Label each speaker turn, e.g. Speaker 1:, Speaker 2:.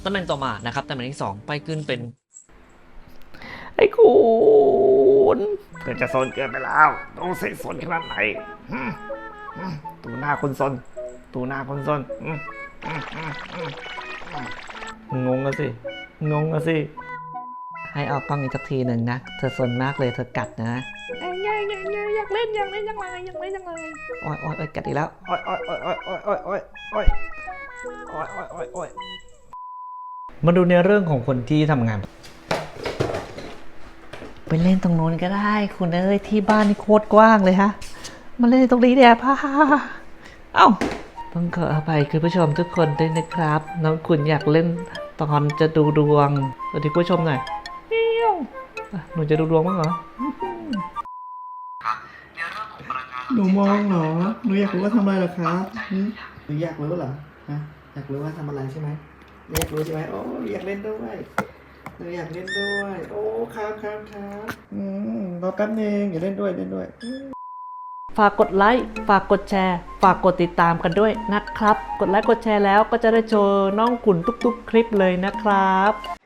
Speaker 1: ตำแหน่งต่อมานะครับตำแหน่งที่2ไปขึ้นเป็น
Speaker 2: ไอ้คุณ
Speaker 3: เธอจะซนเกินไปแล้วดูสิซนขนาดไหนตูหน้าคนซนตูหน้าคนซน
Speaker 2: งงอะสิงงอะสิให้ออกกล้องอีกสักทีหนึ่งนะเธอสนมากเลยเธอกัดนะอยากเล่นจังเลยโอ๊ยกัดอีกแล้ว
Speaker 3: โอ้ยโอ้ยโอ้ยโอ้ยโอ้ยโอ้ยโอ้ยโอ้ยโอ้ยโอ้ยโอ้ยโอ้ย
Speaker 2: มาดูในเรื่องของคนที่ทำงานไปเล่นตรงโน้นก็ได้คุณเอ้ยที่บ้านนี่โคตรกว้างเลยฮะมาเล่นตรงนี้เนี่ยพ่าเอ้าต้องขออภัยคุณผู้ชมทุกคนด้วยนะครับน้องคุณอยากเล่นตอนจะดูดวงสวัสดีผู้ชมหน่อยหนูจะดูดวงมั้งเหรอ
Speaker 4: หนูมองเหรอ หนูอยากรู้ว่าทำอะไรเหรอครับหนูอยากรู้เหรอฮะอยากรู้ว่าทำอะไรใช่ไหมอยากรู้ใช่ไหมโอ้อยากเล่นด้วยหนูอยากเล่นด้วย โอ้ครับรอแป๊บนึงอย่าเล่นด้วย
Speaker 2: ฝากกดไลค์ฝากกดแชร์ฝากกดติดตามกันด้วยนะครับกดไลค์กดแชร์แล้วก็จะได้โชว์น้องขุนทุกๆคลิปเลยนะครับ